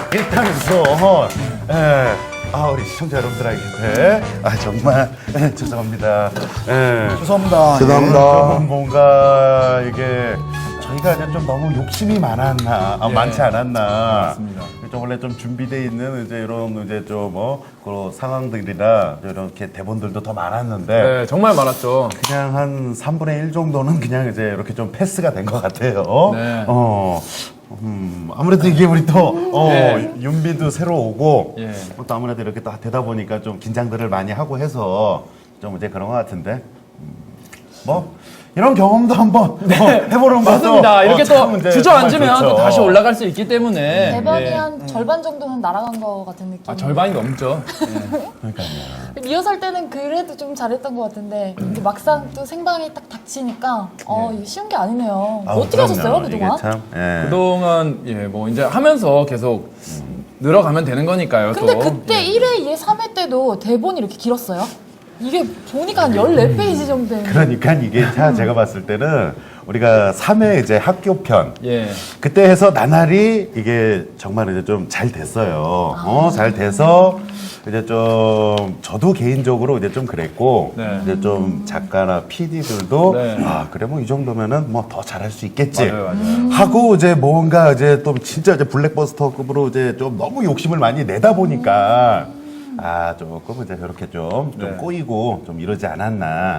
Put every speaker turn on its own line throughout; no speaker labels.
일단서 우리 시청자 여러분들에게 정말 죄송합니다.
죄송합니다.
좀 뭔가 이게 저희가 그냥 좀 너무 욕심이 많았나, 많지 않았나.
맞습니다.
좀 원래 좀 준비돼 있는 이제 이런 이제 좀 그런 상황들이나 이렇게 대본들도 더 많았는데
네, 정말 많았죠.
그냥 한 3분의 1 정도는 그냥 이제 이렇게 좀 패스가 된 것 같아요.
네.
아무래도 이게 우리 또
네.
윤비도 새로 오고
예.
또 아무래도 이렇게 또 되다 보니까 좀 긴장들을 많이 하고 해서 좀 이제 그런 것 같은데 뭐 이런 경험도 한번 해보는 것도
맞습니다. 이렇게
참
또
이제
주저앉으면
정말
또
좋죠.
다시 올라갈 수 있기 때문에
대박이
예.
한 절반 정도는 날아간 것 같은 느낌.
절반이 넘죠.
리허설 때는 그래도 좀 잘했던 것 같은데 이제 막상 또 생방이 딱 닥치니까 이게 쉬운 게 아니네요. 어떻게 하셨어요 그동안?
이게 참,
그동안 뭐 이제 하면서 계속 늘어가면 되는 거니까요.
근데
또.
그때 1회, 2회, 3회 때도 대본이 이렇게 길었어요? 이게 보니까 한 14페이지 정도 되는데
그러니까 이게 제가 봤을 때는 우리가 3회 이제 학교편
예.
그때 해서 나날이 이게 정말 이제 좀 잘 됐어요. 잘 돼서 이제 좀 저도 개인적으로 이제 좀 그랬고
네.
이제 좀 작가나 PD들도
네.
그래 뭐 이 정도면은 뭐 더 잘할 수 있겠지
맞아요.
하고 이제 뭔가 이제 또 진짜 이제 블랙버스터급으로 이제 좀 너무 욕심을 많이 내다 보니까 조금 이제 그렇게 좀
네.
꼬이고 좀 이러지 않았나.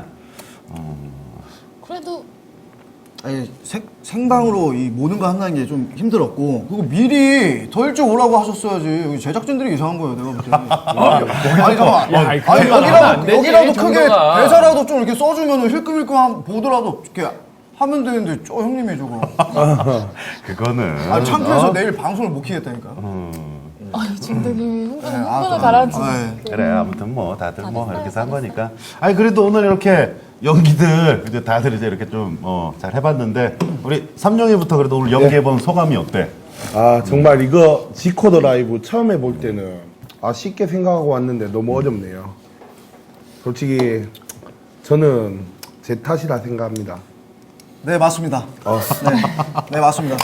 그래도
아니, 생방으로 이 모든 거 한다는 게 좀 힘들었고 그리고 미리 더 일찍 오라고 하셨어야지. 여기 제작진들이 이상한 거예요, 내가 볼 때는. 아니 잠깐만.
야, 그런 거 하면 안 되지,
여기라도 크게
정도가.
대사라도 좀 이렇게 써주면 힐끔힐끔 보더라도 이렇게 하면 되는데 형님이 저거.
그거는
창피해서 내일 방송을 못 키겠다니까.
지금 되게 흥분을
그럼.
가라앉히는
그래 아무튼 뭐 다들 뭐 이렇게 산 거니까. 아니 그래도 오늘 이렇게 연기들 이제 다들 이제 이렇게 좀 잘 해봤는데 우리 삼룡이부터 그래도 오늘 연기해본 소감이 어때?
정말 이거 지코더 라이브 처음 해볼 때는 쉽게 생각하고 왔는데 너무 어렵네요. 솔직히 저는 제 탓이라 생각합니다.
네 맞습니다. 네 맞습니다.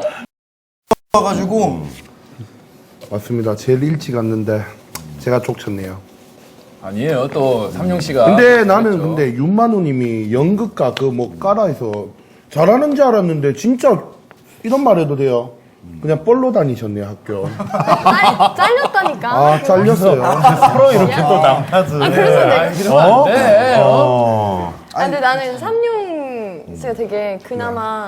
와가지고
맞습니다. 제일 일찍 왔는데 제가 족쳤네요.
아니에요. 또 삼룡 씨가.
근데 나는 근데 윤만우님이 연극가 그 뭐 까라해서 잘하는 줄 알았는데 진짜 이런 말 해도 돼요. 그냥 뻘로 다니셨네요 학교.
아니, 잘렸다니까.
잘렸어요.
서로 이렇게 또 남탓을.
그래서 내가.
그러면 안 돼.
근데 나는 삼룡 씨가 되게 그나마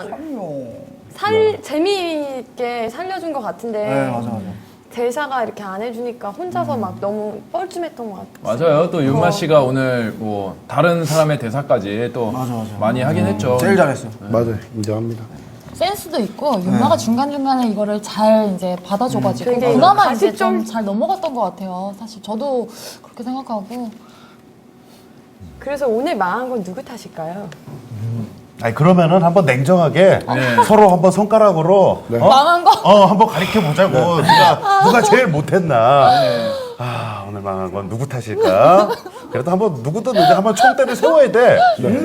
재미있게 살려준 것 같은데.
네 맞아.
대사가 이렇게 안 해주니까 혼자서 막 너무 뻘쭘했던 것 같아.
맞아요. 또 윤마 씨가 오늘 뭐 다른 사람의 대사까지 또
맞아.
많이 하긴 했죠.
제일 잘했어.
맞아요. 인정합니다.
센스도 있고 윤마가 중간중간에 이거를 잘 이제 받아줘가지고
되게
그나마
다시
이제 좀
좀-
잘 넘어갔던 것 같아요. 사실 저도 그렇게 생각하고
그래서 오늘 망한 건 누구 탓일까요?
아니 그러면은 한번 냉정하게 서로 한번 손가락으로
망한 거?
한번 가리켜 보자고. 누가 제일 못했나. 오늘 망한 건 누구 탓일까? 그래도 한번 누구든 이제 한번 총대를 세워야 돼.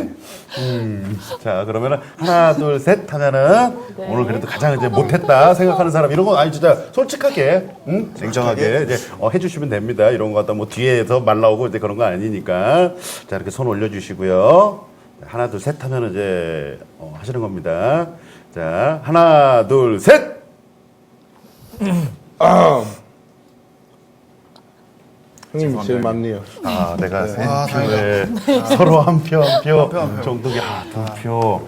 자 그러면은 하나 둘 셋 하면은 오늘 그래도 가장 이제 못했다 생각하는 사람 이런 거 아니 진짜 솔직하게 냉정하게 이제 해주시면 됩니다. 이런 거 갖다 뭐 뒤에서 말 나오고 이제 그런 거 아니니까 자 이렇게 손 올려주시고요. 하나 둘 셋 하면 이제 하시는 겁니다. 자 하나 둘 셋.
형님 제일 많네요.
내가 세 표에 서로 한 표 한 표 정도가 두 표.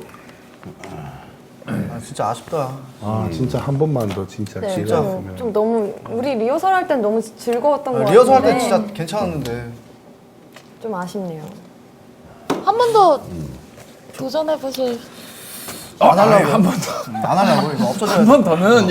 진짜 아쉽다.
진짜 한 번만 더 진짜
네,
기회가
진짜.
있으면.
좀 너무 우리 리허설 할 땐 너무 즐거웠던 것 같은데.
리허설 할 때 진짜 괜찮았는데.
좀 아쉽네요.
한 번 더 도전해 보실.
안 하려고. 한 번 더. 안 하려고. 이거 없어져야
한 번 더는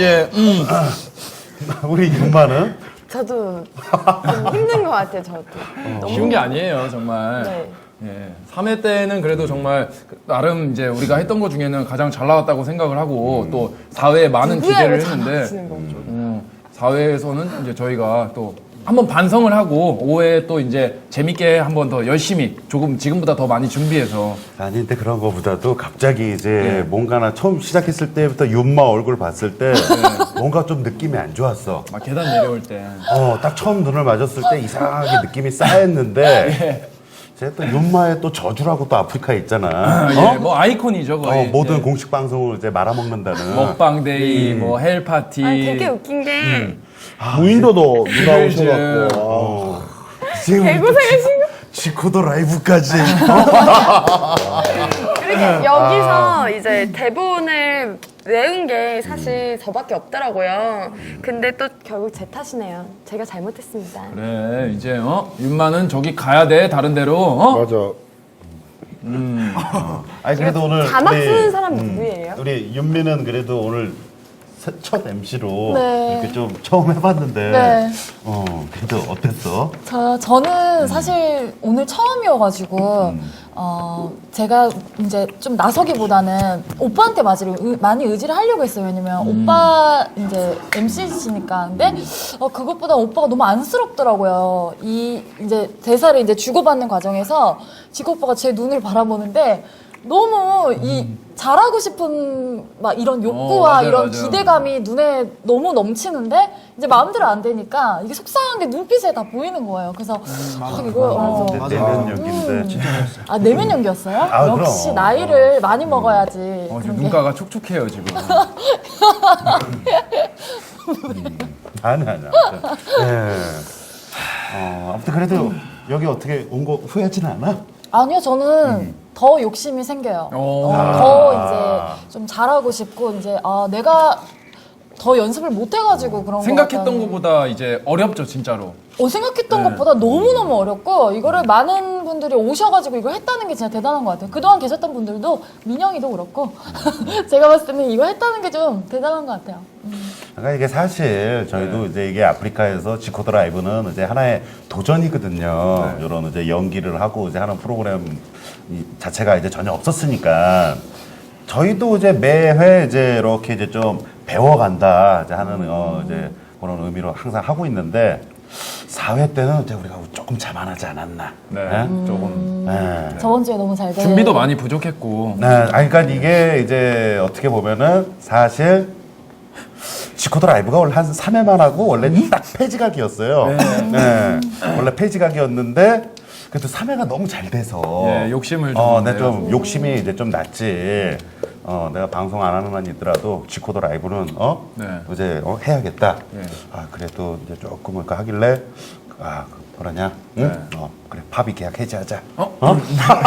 우리 윤마는
저도 좀 힘든 것 같아요. 저도. 너무
쉬운 게 아니에요, 정말.
네.
예. 3회 때는 그래도 정말 나름 이제 우리가 했던 것 중에는 가장 잘 나왔다고 생각을 하고 또 4회에 많은
누구야,
기대를
왜 잘
했는데
나왔는 거죠?
4회에서는 이제 저희가 또 한번 반성을 하고 5회 또 이제 재밌게 한번 더 열심히 조금 지금보다 더 많이 준비해서
아니 근데 그런 거보다도 갑자기 이제 뭔가나 처음 시작했을 때부터 윤마 얼굴 봤을 때 뭔가 좀 느낌이 안 좋았어.
막 계단 내려올 때
딱 처음 눈을 맞았을 때 이상하게 느낌이 쌓였는데 제가 또 윤마의 또 저주라고 또 아프리카에 있잖아.
예, 뭐 아이콘이죠 거의.
모든
예.
공식 방송을 이제 말아먹는다는.
먹방데이, 뭐 헬파티.
아니 되게 웃긴 게
무인도도 누가
힐즈.
오셔갖고
지금 지코더 라이브까지.
이렇게 여기서 이제 대본을 외운 게 사실 저밖에 없더라고요. 근데 또 결국 제 탓이네요. 제가 잘못했습니다.
그래 이제 윤마는 저기 가야 돼 다른 데로.
맞아.
아니 그래도 오늘
자막
우리,
쓰는 사람 누구예요?
우리 윤미는 그래도 오늘 첫 MC로
네.
이렇게 좀 처음 해봤는데
네.
그래도 어땠어?
저는 사실 오늘 처음이어가지고 제가 이제 좀 나서기보다는 오빠한테 많이 의지를 하려고 했어요. 왜냐면 오빠 이제 MC시니까. 근데 그것보다 오빠가 너무 안쓰럽더라고요. 이 이제 대사를 이제 주고받는 과정에서 지코 오빠가 제 눈을 바라보는데 너무 이 잘하고 싶은 막 이런 욕구와
맞아요,
이런
맞아요.
기대감이 눈에 너무 넘치는데 이제 마음대로 안 되니까 이게 속상한 게 눈빛에 다 보이는 거예요. 그래서 이거
내면 연기인데
내면 연기였어요?
아,
역시
그럼.
나이를 많이 먹어야지.
지금
그런 게.
눈가가 촉촉해요 지금.
아니. 예. 아무튼 그래도 여기 어떻게 온 거 후회하진 않아?
아니요, 저는 더 욕심이 생겨요.
오.
더 이제 좀 잘하고 싶고 이제 내가 더 연습을 못 해가지고 그런 거
생각했던 것보다 이제 어렵죠 진짜로.
생각했던 것보다 너무너무 어렵고 이거를 많은 분들이 오셔가지고 이걸 했다는 게 진짜 대단한 것 같아요. 그동안 계셨던 분들도 민영이도 그렇고 제가 봤을 때는 이거 했다는 게 좀 대단한 것 같아요.
그러니까 이게 사실 저희도 이제 이게 아프리카에서 지코더 라이브는 이제 하나의 도전이거든요. 이런 이제 연기를 하고 이제 하는 프로그램 자체가 이제 전혀 없었으니까 저희도 이제 매회 이제 이렇게 이제 좀 배워간다 이제 하는 이제 그런 의미로 항상 하고 있는데 4회 때는 이제 우리가 조금 자만하지 않았나.
네,
예?
조금.
네.
저번 주에 너무 잘 돼.
준비도 많이 부족했고.
네, 그러니까 이게 이제 어떻게 보면은 사실 지코더 라이브가 원래 한 3회만 하고 원래 딱 폐지각이었어요. 네. 원래 폐지각이었는데 그래도 3회가 너무 잘 돼서
예, 욕심을 좀
내가 좀
내가지고.
욕심이 이제 좀 났지. 내가 방송 안 하는 한 있더라도 지코더 라이브는
네.
이제 해야겠다.
예.
그래도 이제 조금 그러니까 하길래 그러냐? 응?
네.
그래 팝이 계약 해지하자.
근데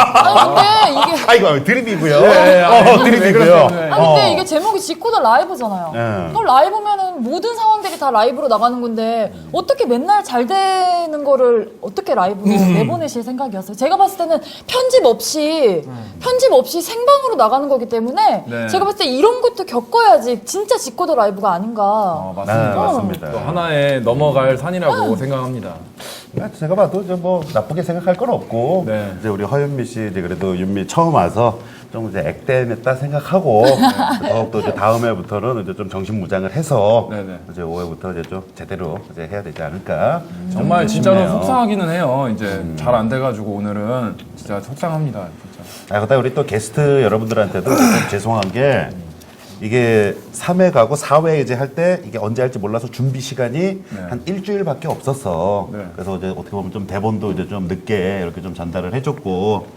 이게
아이고 드립이고요.
왜 그러세요? 네.
근데 이게 제목이 지코더 라이브잖아요.
네.
그럼 라이브면은 모든 상황들이 다 라이브로 나가는 건데 어떻게 맨날 잘 되는 거를 어떻게 라이브로 내보내실 생각이었어요? 제가 봤을 때는 편집 없이 생방으로 나가는 거기 때문에
네.
제가 봤을 때 이런 것도 겪어야지 진짜 지코더 라이브가 아닌가.
맞습니다.
네, 맞습니다.
또 하나의 넘어갈 산이라고 생각합니다.
제가 봐도 이제 뭐 나쁘게 생각할 건 없고
네.
이제 우리 허윤미 씨 이제 그래도 윤미 처음 와서 좀 이제 액땜했다 생각하고 더욱더 이제 다음 해부터는 이제 좀 정신무장을 해서
네네.
이제 5회부터 이제 좀 제대로 이제 해야 되지 않을까.
정말 진짜로
싶네요.
속상하기는 해요. 이제 잘 안 돼가지고 오늘은 진짜 속상합니다. 진짜.
그다음 우리 또 게스트 여러분들한테도 좀 죄송한 게 이게 3회 가고 4회 이제 할 때 이게 언제 할지 몰라서 준비 시간이 한 일주일밖에 없었어.
네.
그래서 이제 어떻게 보면 좀 대본도 이제 좀 늦게 이렇게 좀 전달을 해줬고,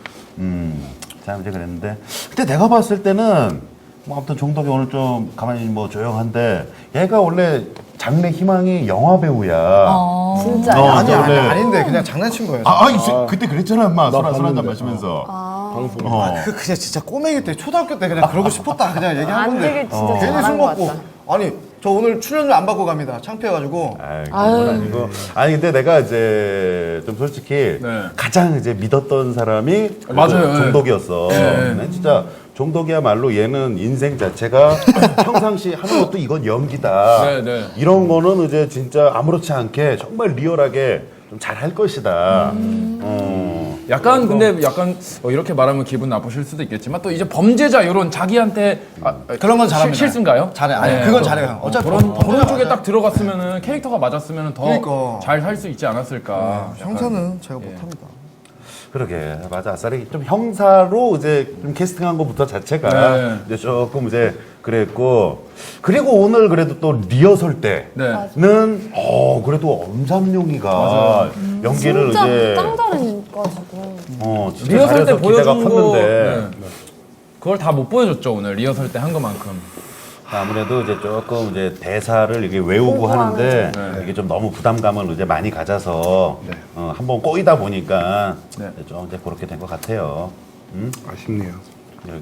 참 이제 그랬는데, 근데 내가 봤을 때는 뭐 아무튼 종덕이 오늘 좀 가만히 뭐 조용한데 얘가 원래 장래 희망이 영화 배우야.
진짜요?
아닌데 그냥 장난친 거예요.
그때 그랬잖아, 엄마. 술 한잔
봤는데.
마시면서.
방송.
그냥 진짜 꼬맹이 때 초등학교 때 그냥 그러고 싶었다 그냥 얘기한
안
건데
되게 진짜
괜히 술
잘한 것
먹고
같다.
아니 저 오늘 출연료 안 받고 갑니다. 창피해가지고
그건 아니고. 아니 근데 내가 이제 좀 솔직히
네.
가장 이제 믿었던 사람이
맞아요.
종덕이었어.
네.
난 진짜 종덕이야말로 얘는 인생 자체가 평상시 하는 것도 이건 연기다.
네, 네.
이런 거는 이제 진짜 아무렇지 않게 정말 리얼하게 좀 잘 할 것이다.
약간 근데 약간 이렇게 말하면 기분 나쁘실 수도 있겠지만 또 이제 범죄자 이런 자기한테
그런 건 잘합니다.
실수인가요?
잘해. 아니, 그건 잘해요. 어차피
그런 쪽에 딱 들어갔으면은 캐릭터가 맞았으면은 더
그러니까.
잘 살 수 있지 않았을까. 약간.
형사는 제가 못합니다.
그러게 맞아. 아싸리 좀 형사로 이제 좀 캐스팅한 것부터 자체가
네.
이제 조금 이제 그랬고 그리고 오늘 그래도 또 리허설
네.
때는 그래도 엄삼룡이가 연기를
진짜
이제
짱 잘해가지고.
진짜
리허설 때
잘해서 기대가
보여준 거
컸는데
네. 그걸 다 못 보여줬죠 오늘 리허설 때 한 것만큼.
아무래도 이제 조금 이제 대사를 이게 외우고 하는데 이게 좀 너무 부담감을 이제 많이 가져서 한번 꼬이다 보니까
네.
좀 이제 그렇게 된 것 같아요.
아쉽네요.
이렇게.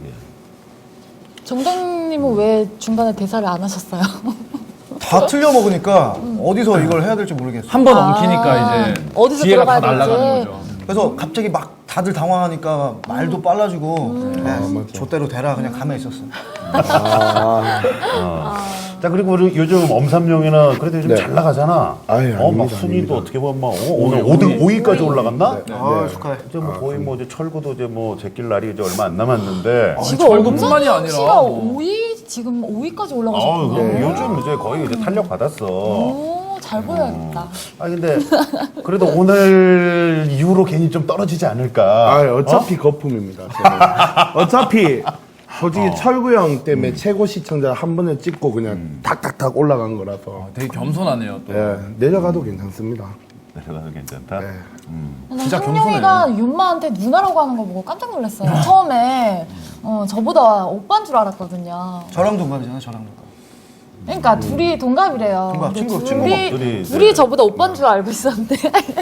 정동님은 왜 중간에 대사를 안 하셨어요?
다 틀려 먹으니까 어디서 이걸 해야 될지 모르겠어요.
한 번 엉키니까 이제
어디서
기회가 다
들어가야 될지.
날아가는 거죠.
그래서 갑자기 막 다들 당황하니까 말도 빨라지고 좆대로 대라 그냥 가만히 있었어요.
자 그리고 우리 요즘 엄삼룡이는 그래도 요즘
네.
잘 나가잖아.
아유,
막
아닙니다,
순위도
아닙니다.
어떻게 보면 막 오늘 5등 5위까지 올라갔나?
아 축하해.
이제 뭐 거의 뭐 이제 철구도 이제 뭐 제낄 날이 이제 얼마 안 남았는데.
지금
절구뿐만이 아니라
씨가
뭐.
5위 지금 5위까지
아,
올라가셨구나.
요즘 이제 거의 이제 탄력 받았어.
오, 잘 보여야겠다.
아 근데 그래도 오늘 이후로 괜히 좀 떨어지지 않을까.
아, 어차피 거품입니다. 저는. 어차피 솔직히 철구 형 때문에 최고 시청자 한 번에 찍고 그냥 탁탁탁 올라간 거라서
되게 겸손하네요 또.
예, 내려가도 괜찮습니다.
내려가도 괜찮다.
네.
진짜
형룡이가 윤마한테 누나라고 하는 거 보고 깜짝 놀랐어요. 처음에 저보다 오빠인 줄 알았거든요.
저랑 동갑이잖아요. 저랑 동갑.
그러니까 둘이 동갑이래요.
동갑,
근데
친구,
둘이,
둘이
네.
저보다 오빠인 줄 알고 있었는데.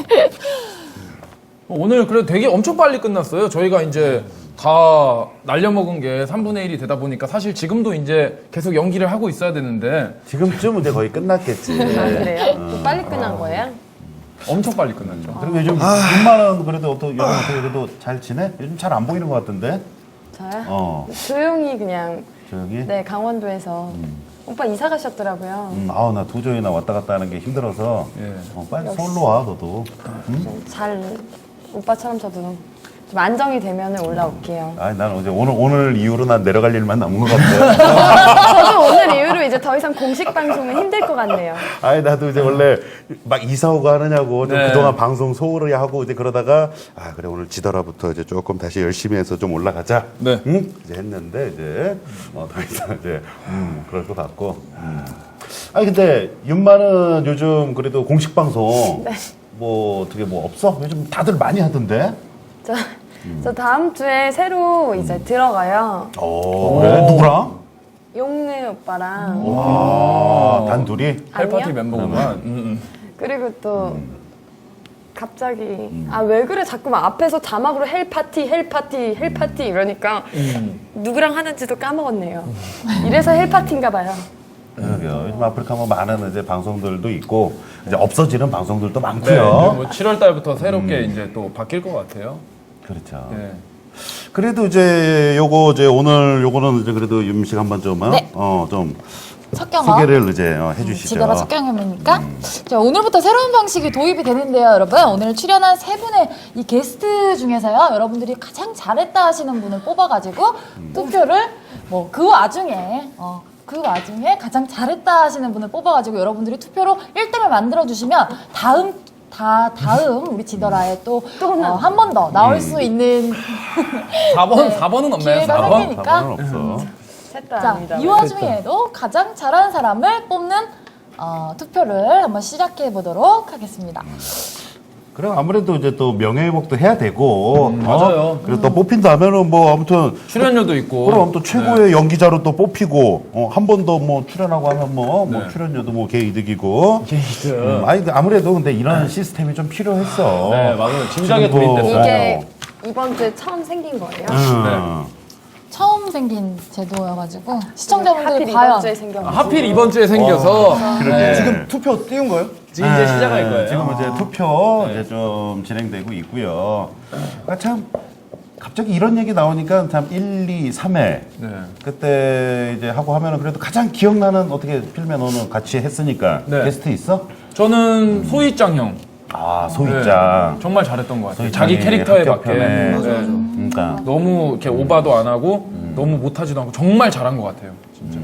오늘 그래도 되게 엄청 빨리 끝났어요. 저희가 이제 다 날려먹은 게 3분의 1이 되다 보니까 사실 지금도 이제 계속 연기를 하고 있어야 되는데
지금쯤 이제 거의 끝났겠지.
아, 그래요? 또 빨리 끝난 거예요?
엄청 빨리 끝났죠.
그리고 요즘 윤마는 그래도 요즘 어떻게 그래도 잘 지내? 요즘 잘 안 보이는 것 같던데.
저요? 조용히 그냥
조용히.
네 강원도에서 오빠 이사 가셨더라고요.
나 도저히 왔다 갔다 하는 게 힘들어서
예.
빨리 서울로 와 너도.
잘 오빠처럼 저도 좀 안정이 되면 올라올게요.
아니 난 이제 오늘 이후로 난 내려갈 일만 남은 것 같아.
저도 오늘 이후로 이제 더 이상 공식 방송은 힘들 것 같네요.
아니 나도 이제 원래 막 이사 오고 하느냐고 좀
네.
그동안 방송 소홀히 하고 이제 그러다가 그래 오늘 지더라부터 이제 조금 다시 열심히 해서 좀 올라가자.
네.
응? 이제 했는데 이제 더 이상 이제 그럴 것 같고. 아니 근데 윤마는 요즘 그래도 공식 방송 뭐 어떻게 뭐 없어? 요즘 다들 많이 하던데.
저 다음 주에 새로 이제 들어가요.
그래 누구랑?
용느 오빠랑
단둘이.
헬파티
아니요.
멤버구만.
그리고 또 갑자기 왜 그래 자꾸만 앞에서 자막으로 헬파티 이러니까 누구랑 하는지도 까먹었네요. 이래서 헬파티인가 봐요.
그러게요. 요즘 아프리카 뭐 많은 이제 방송들도 있고 이제 없어지는 방송들도
네,
많고요.
뭐 7월 달부터 새롭게 이제 또 바뀔 것 같아요.
그렇죠.
네.
그래도 이제 요거 이제 오늘 요거는 이제 그래도 윤식 한번 좀
네.
좀
첫 경험.
소개를 이제 해주시죠.
지더라 첫 경험이니까. 자, 오늘부터 새로운 방식이 도입이 되는데요, 여러분. 오늘 출연한 세 분의 이 게스트 중에서요, 여러분들이 가장 잘했다 하시는 분을 뽑아가지고 투표를 그 와중에 가장 잘했다 하시는 분을 뽑아가지고 여러분들이 투표로 1등을 만들어 주시면 다음 우리 지더라에 또 한 번 더 나올 수 있는
4번은 없나요?
기회가
4번?
생기니까.
4번은 없어.
셋다
자,
아닙니다.
이 와중에도 가장 잘하는 사람을 뽑는 투표를 한번 시작해 보도록 하겠습니다.
그래 아무래도 이제 또 명예회복도 해야 되고
맞아요.
그리고 또 뽑힌다 하면은 뭐 아무튼
출연료도 있고.
그럼 또 최고의 연기자로 또 뽑히고 한 번 더 뭐 출연하고 하면 뭐
네.
출연료도 뭐 개이득이고.
게이득.
아니 근데 아무래도 근데 이런 시스템이 좀 필요했어.
네, 맞아요. 진작에
지금 뭐-
도입됐어요.
이게 이번 주에 처음 생긴 거예요.
처음 생긴 제도여가지고 시청자분들이
하필
과연
이번 주에 생겨가지고.
하필 이번 주에 생겨서
그러게.
지금 투표 띄운 거예요?
지금 이제 시작할 거예요.
지금 이제 투표 이제 좀 진행되고 있고요. 참 갑자기 이런 얘기 나오니까 참 1, 2, 3회
네.
그때 이제 하고 하면은 그래도 가장 기억나는 어떻게 필면 너는 같이 했으니까
네.
게스트 있어?
저는 소희짱 형.
아, 소희짱.
정말 잘했던 것 같아요.
소희짱이
자기 캐릭터에 맞게.
합격편에.
맞아, 맞아.
그러니까
너무 이렇게 오바도 안 하고 너무 못하지도 않고 정말 잘한 것 같아요. 진짜.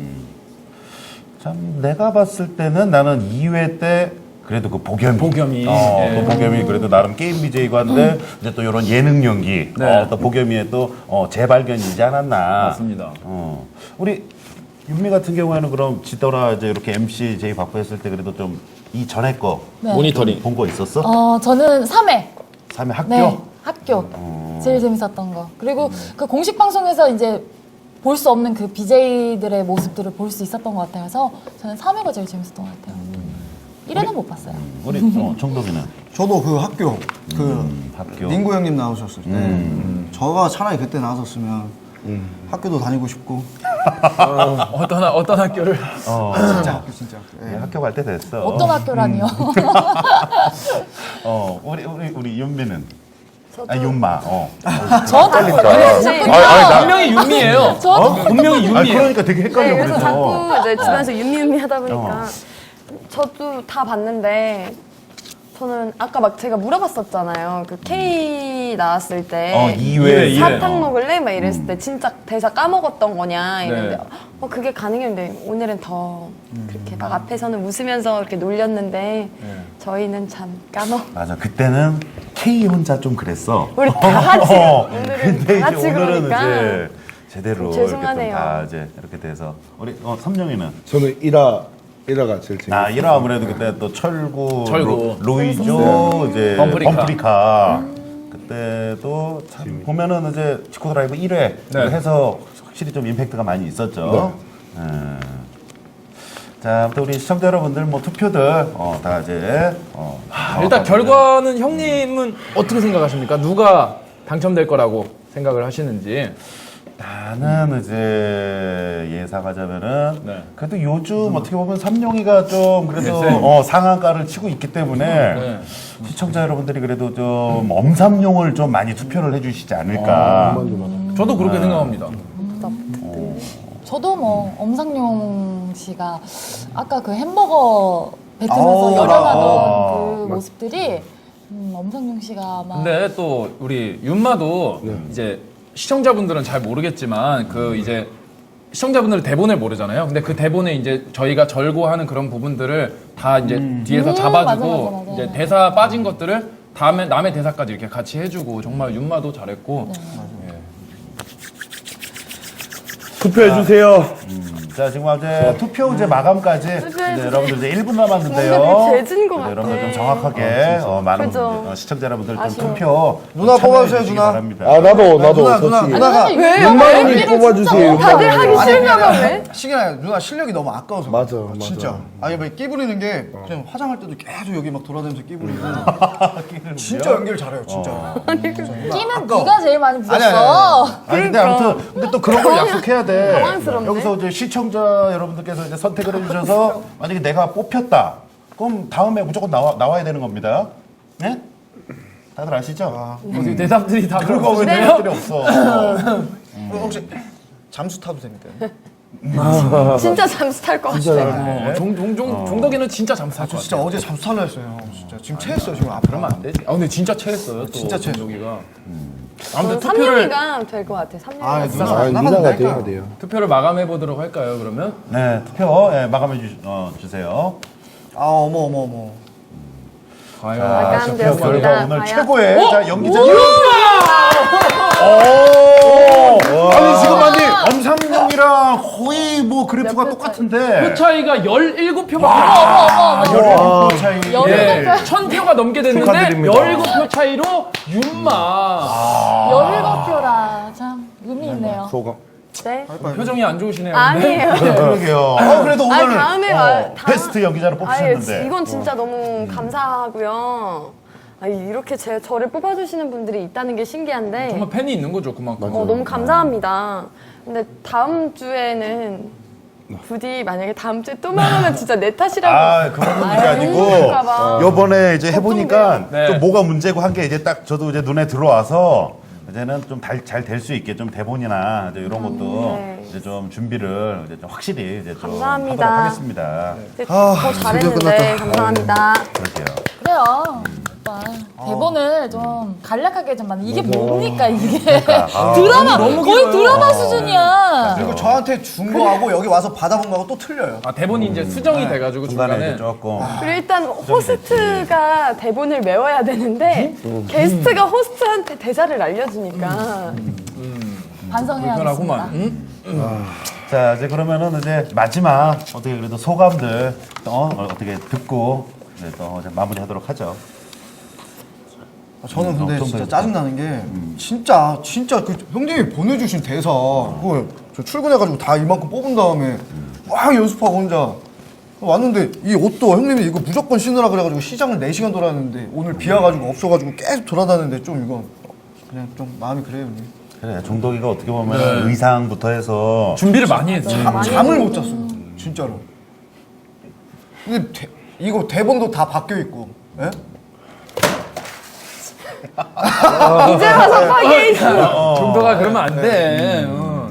참 내가 봤을 때는 나는 2회 때 그래도 그 보겸이
예.
또 보겸이 그래도 나름 게임 BJ고 한데 이제 또 이런 예능 연기
네.
또 보겸이의 또 재발견이지 않았나.
맞습니다.
우리 윤미 같은 경우에는 그럼 지더라 이제 이렇게 MC 제이 받고 했을 때 그래도 좀 이 전에 거
네.
모니터링.
본 거 있었어?
저는 3회.
3회 학교?
네, 학교. 제일 재밌었던 거. 그리고 그 공식 방송에서 이제 볼 수 없는 그 BJ들의 모습들을 볼 수 있었던 것 같아서 저는 3회가 제일 재밌었던 것 같아요. 1회는 못 봤어요.
우리 정덕이는
저도 그 학교 그
학교.
닌구 형님 나오셨을 때 저가 차라리 그때 나왔었으면 학교도 다니고 싶고
어떤 학교를
진짜 학교 진짜 학교. 예.
네, 학교 갈 때 됐어.
어떤 학교라니요?
우리 윤미는
저도
아 윤마.
저도
분명히 윤미예요.
저도
분명히
아
윤미예요.
그러니까 되게 헷갈려
네, 그래서
그래서.
자꾸 이제 주변에서 윤미 하다 보니까 저도 다 봤는데 저는 아까 막 제가 물어봤었잖아요. 그 K 나왔을 때
2회
사탕 먹을래? 막 이랬을 때 진짜 대사 까먹었던 거냐 이랬는데
네.
그게 가능했는데 오늘은 더 그렇게 막 앞에서는 웃으면서 이렇게 놀렸는데 저희는 참
맞아 그때는 K 혼자 좀 그랬어.
우리 다 같이 오늘은
근데
다
이제
같이
오늘은
그러니까
이제 제대로
죄송하네요.
이렇게 좀 다 이제 이렇게 돼서 우리 삼룡이는
저는 1화가 제일 재밌어요.
아 1화 아무래도 그때 또 철구,
철구.
로이조 이제
범프리카.
범프리카 그때도 참 보면은 이제 지코 드라이브 1회
네.
해서 확실히 좀 임팩트가 많이 있었죠. 자, 아무튼 우리 시청자 여러분들 뭐 투표들 다 이제
일단 결과는 형님은 어떻게 생각하십니까? 누가 당첨될 거라고 생각을 하시는지.
나는 이제 예상하자면은
네.
그래도 요즘 어떻게 보면 삼룡이가 좀 그래도
네.
상한가를 치고 있기 때문에
네.
시청자 여러분들이 그래도 좀 엄삼룡을 좀 많이 투표를 해주시지 않을까.
저도 그렇게 생각합니다.
저도 뭐 엄상용 씨가 아까 그 햄버거 뱉으면서 열연하던 그 모습들이 엄상용 씨가 아마
근데 또 우리 윤마도 이제 시청자분들은 잘 모르겠지만 그 이제 시청자분들은 대본을 모르잖아요. 근데 그 대본에 이제 저희가 절고하는 그런 부분들을 다 이제 뒤에서 잡아주고
맞아.
이제 대사 빠진 것들을 다음에 남의 대사까지 이렇게 같이 해주고 정말 윤마도 잘했고
투표해주세요.
자, 지금 이제 투표 이제 마감까지 이제 여러분들 이제 1분 남았는데요.
뭔가 되게 재진 것
네,
같아.
여러분들 좀 정확하게 많은
그죠.
시청자 여러분들 좀
아쉬워.
투표
누나
참여해
뽑아주세요,
주시기
누나.
바랍니다.
아 나도
누나,
솔직히
누나가
윤마님이 뽑아주세요.
다들 하기
아니,
싫은가 봐 왜?
시기나 누나 실력이 너무 아까워서
맞아,
그래.
맞아.
진짜 아니 뭐 끼 부리는 게 그냥 화장할 때도 계속 여기 막 돌아다니면서 끼 부리고 진짜 연기를 잘해요 진짜
끼는
아까워.
네가 제일 많이
아니,
부었어.
아니 근데 아무튼 근데 또 그런 걸 약속해야 돼.
당황스럽네.
여기서 이제 시청자 여러분들께서 이제 선택을 해주셔서 만약에 내가 뽑혔다, 그럼 다음에 무조건 나와야 되는 겁니다. 네? 다들 아시죠?
어떻게 대답들이 다 그런
그거 왜
거거든요.
대답들이 없어?
혹시 잠수 타도 됩니까?
진짜 잠수 탈 것 같아.
종덕이는 진짜 잠수
저 진짜 어제 잠수 탈라 했어요 진짜 지금 체했어요 지금 앞으로
그러면 안 되지. 근데 진짜 체했어요. 또
진짜 체했어.
종덕이가.
저는
아무튼 투표를
3년이가 될 것 같아. 3년.
아
아,
누나
누나가 돼야 돼요.
투표를 마감해 보도록 할까요? 그러면
네, 투표 마감해 주세요.
아 어머
과연
마감되었습니다.
결과 오늘
과연?
최고의 자 연기자. 아니 지금 아니 엄삼룡이랑 거의 뭐 그래프가
몇
똑같은데.
표 차이가 17표밖에
아, 17표 차이.
예, 1000표가 넘게 됐는데
축하드립니다.
17표 차이로 윤마.
17표라 참 의미 있네요.
소감.
네?
표정이 안 좋으시네요. 근데.
아니에요.
그러게요. 그래도 오늘
아니, 다음에 다음-
베스트 연기자로
아예
뽑히셨는데.
이건 진짜 너무 감사하고요. 이렇게 저를 뽑아주시는 분들이 있다는 게 신기한데
정말 팬이 있는 거죠, 그만큼.
너무 감사합니다. 근데 다음 주에는 부디 만약에 다음 주에 또 말하면 진짜 내 탓이라고.
아, 그런 문제 아니고
힘들까봐.
요번에 이제 해보니까
네.
좀 뭐가 문제고 한 게 이제 딱 저도 이제 눈에 들어와서 이제는 좀 잘 될 수 있게 좀 대본이나 이제 이런 것도
네.
이제 좀 준비를 이제 좀 확실히 이제 좀
감사합니다.
하도록 하겠습니다.
더 잘했는데 감사합니다.
그럴게요.
주세요. 오빠. 대본을 좀 간략하게 좀 만든 이게 뭡니까 이게 드라마 거의 드라마 수준이야.
그리고 저한테 준 거하고 여기 와서 받아본 거하고 또 틀려요.
아 대본이 이제 수정이 돼가지고
중간에
중간에
이제 조금
그리고 일단 호스트가 대본을 외워야 되는데 게스트가 호스트한테 대사를 알려주니까
반성해야겠습니다.
불편하구만. 응?
자 이제 그러면은 이제 마지막 어떻게 그래도 소감들 어떻게 듣고 이제 또 이제 마무리하도록 하죠.
저는 근데
어떤
진짜
대사?
짜증나는 게 진짜 그 형님이 보내주신 대사 그거 저 출근해가지고 다 이만큼 뽑은 다음에 막 연습하고 혼자 왔는데 이 옷도 형님이 이거 무조건 신으라 그래가지고 시장을 4시간 돌아다녔는데 오늘 비 와가지고 없어가지고 계속 돌아다녔는데 좀 이거 그냥 좀 마음이 그래요 형님.
그래 종덕이가 어떻게 보면 의상부터 해서
준비를 많이 했지.
잠을 못 잤어요 진짜로. 근데 이거 대본도 다 바뀌어 있고 예?
이제 와서 파괴 있어.
정도가 그러면 안 돼.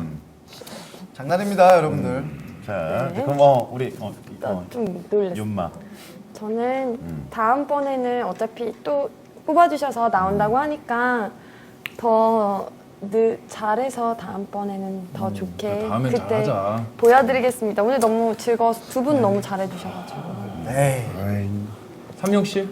장난입니다 여러분들.
자
네.
그럼 우리
좀 놀랐어.
윤마
저는 다음번에는 어차피 또 뽑아주셔서 나온다고 하니까 더 잘해서 다음번에는 더 좋게
다음엔
그때
잘하자.
보여드리겠습니다. 오늘 너무 즐거워서 두 분 너무 잘해주셔가지고.
에이.
삼용 씨?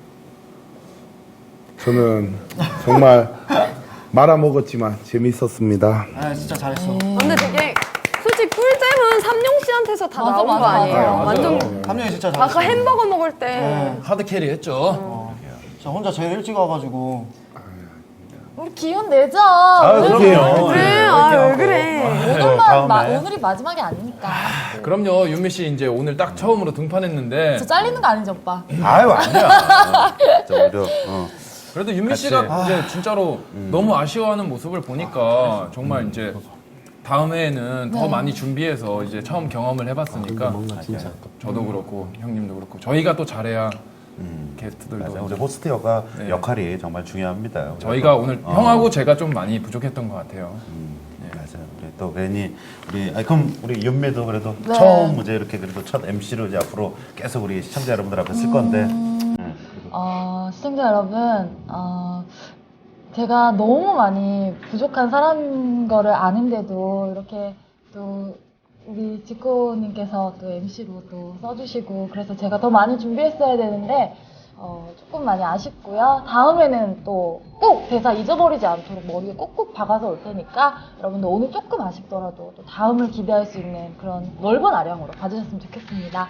저는 정말 말아먹었지만 재밌었습니다.
아 진짜 잘했어.
근데 되게 솔직히 꿀잼은 삼룡 씨한테서 다
맞아,
나온 거
맞아,
아니에요?
맞아요.
완전
함량이 진짜 잘했어.
아까 햄버거 먹을 때
하드 캐리 했죠.
저 혼자 제일 일찍 와가지고
우리 기운 내자.
그럼요.
그래, 왜 그래?
다음에.
오늘이 마지막이 아니니까.
그럼요. 윤미 씨 이제 오늘 딱 처음으로 등판했는데
저 잘리는 거 아니죠, 오빠?
아유 아니야. 진짜 오히려
그래도 윤미
같이.
씨가 이제 진짜로 너무 아쉬워하는 모습을 보니까 정말 이제 다음해에는 더 많이 준비해서 이제 처음 경험을 해봤으니까 저도 그렇고 형님도 그렇고 저희가 또 잘해야 게스트들도
맞아. 우리 호스트 역할이 정말 중요합니다.
저희가 오늘 형하고 제가 좀 많이 부족했던 것 같아요.
맞아요. 우리 또 괜히 그럼 우리 윤미도 그래도
네.
처음 이제 이렇게 그래도 첫 MC로 이제 앞으로 계속 우리 시청자 여러분들 앞에 쓸 건데
시청자 여러분, 제가 너무 많이 부족한 사람인 거를 아는데도 이렇게 또 우리 지코님께서 또 MC로 또 써주시고 그래서 제가 더 많이 준비했어야 되는데 조금 많이 아쉽고요. 다음에는 또 꼭 대사 잊어버리지 않도록 머리에 꾹꾹 박아서 올 테니까 여러분들 오늘 조금 아쉽더라도 또 다음을 기대할 수 있는 그런 넓은 아량으로 봐주셨으면 좋겠습니다.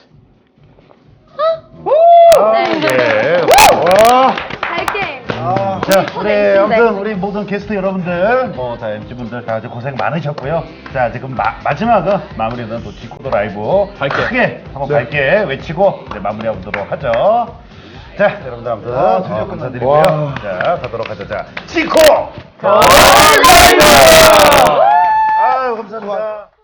예. 와.
할게.
자, 우리 아무튼 우리 모든 게스트 여러분들, 다 MC분들 다 고생 많으셨고요. 자, 지금 마지막은 마무리는 또 지코더 라이브 크게 한번 밝게 외치고 이제 마무리하도록 하죠. 자, 여러분들 아무튼 감사드리고요.
와.
자, 가도록 하죠. 자, 지코 더 라이브. 아유, 감사합니다.